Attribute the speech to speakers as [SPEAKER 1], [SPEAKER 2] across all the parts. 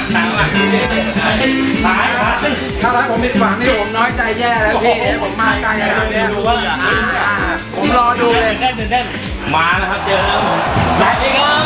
[SPEAKER 1] ซ้ายครับถ้าผมผิดหวังนี่ผมน้อยใจแย่แล้วพี่ผมมาไกลแล้วเนี่ยผมรอดูเลยเต้นมาแล้วครับเจอแล้วสวัสดีครับ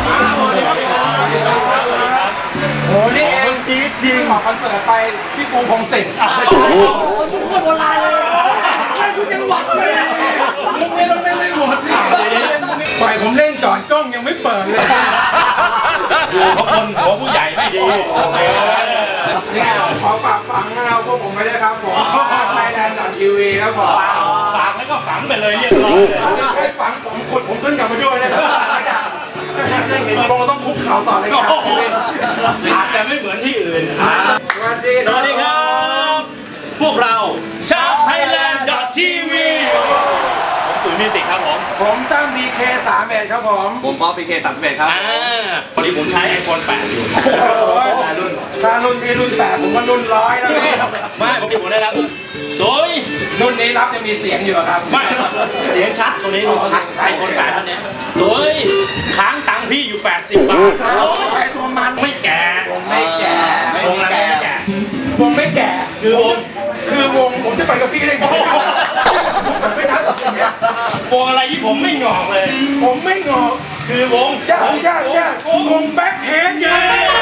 [SPEAKER 1] โอ้นี่เองจี๊ดจริงออกคอนเสิร์ตไปที่กรุงพงศิษฐ์โอ้โหทุกคนโบราณเลยใช่ทุกจังหวัดเลยมุกนี้เราไม่หมดปล่อยผมเล่นจอดกล้องยังไม่เปิดเลย
[SPEAKER 2] อยู่เพราะคนหัวผู้ใหญ่ไม่ดี
[SPEAKER 1] เนี่ยขอฝากฝังเอาพวกผมไปด้วยครับผมไทยแลนด์ทีวีครับผม
[SPEAKER 2] ฝากแล้วก็ฝังไปเลยเรียบร้อยเลย
[SPEAKER 1] ให้ฝังผมขุดผมขึ้นกลับมาด้วยนะครับจะเห็นคงต้องคุกเข่าต่อเลยครับ
[SPEAKER 2] อาจจะไม่เหมือนที่อื่น
[SPEAKER 1] สวัสดี
[SPEAKER 2] ครับพวกเราชาวไทยแลนด์ทีวีผมตุ๋ยมิวสิกครับ
[SPEAKER 1] ผมตั้ง BK31 ครับผม
[SPEAKER 3] ป๊อป BK31 ครับ
[SPEAKER 2] พอดีผมใช้ iPhone 8 อยู่
[SPEAKER 1] ถ้ารุ่นพี่รุ่น8ผมว่ารุ่น100แล้วพี่
[SPEAKER 2] ไม่ปกติผมได้รับโดย
[SPEAKER 1] รุ่นนี้รับยังมีเสียงอยู่ครับ
[SPEAKER 2] ไม่เสียงชัดตรงนี้ชัด iPhone 8 ท่านนี้โดยค้างตังค์พี่อยู่80 บาท
[SPEAKER 1] ใครตัวมัน
[SPEAKER 2] ไม่แก่
[SPEAKER 1] ผมไม่แก่
[SPEAKER 2] วงอะไรไม่แก่
[SPEAKER 1] วงไม่แก่
[SPEAKER 2] คือวง
[SPEAKER 1] ผมจะไปกับพี่ได้ไงผมไม่นัดอย่างเงี้ยว
[SPEAKER 2] งอะไรที่ผมไม่งอกเลย
[SPEAKER 1] ผมไม่งอก
[SPEAKER 2] คือวง
[SPEAKER 1] ยากวงแบ็คเฮดเย้